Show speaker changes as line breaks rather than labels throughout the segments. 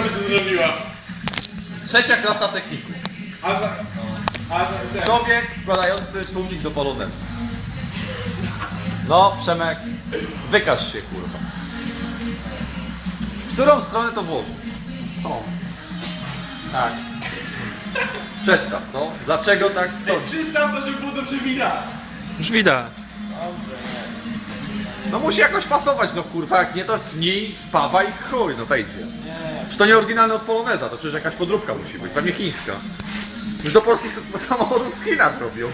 by to zrobiła.
Trzecia klasa techniku. Człowiek wkładający tłumik do polonezu. No, Przemek, wykaż się, kurwa. W którą stronę to włożyć? O. Tak. Przedstaw, no. Dlaczego tak sądzisz?
Przystaw to, żeby było dobrze widać.
Już widać.
No musi jakoś pasować, no kurwa, jak nie to tnij, spawaj i chuj, no wejdzie. Przecież to nie oryginalne od poloneza, to przecież jakaś podróbka musi być, pewnie chińska. Już do polskich samochodów w Chinach robią.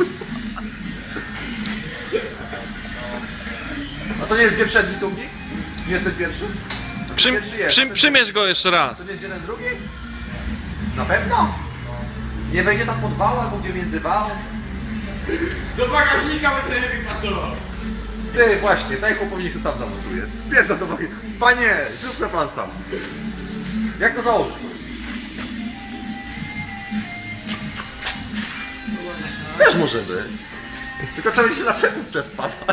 A to nie jest gdzie przedni tłumik? Nie jest ten pierwszy?
Przymierz go jeszcze raz.
To nie jest gdzie ten drugi? Na pewno? Nie wejdzie tam pod wał albo gdzie między wał?
Do bagażnika będzie najlepiej pasował.
Ty, właśnie, daj chłopowi, co sam zamontuje. Pierdol do bagażnika. Panie, zrób se pan sam. Jak to założyć? Też może być. Tylko trzeba będzie się zaczęło przespawać.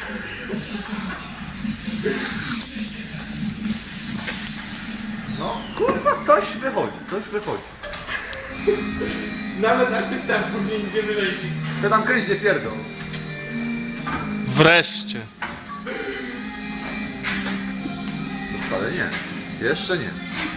No, kurwa, coś wychodzi, coś wychodzi.
Nawet artysta później nic nie wyleci.
Ty tam kręć nie pierdol.
Wreszcie.
To wcale nie. Jeszcze nie.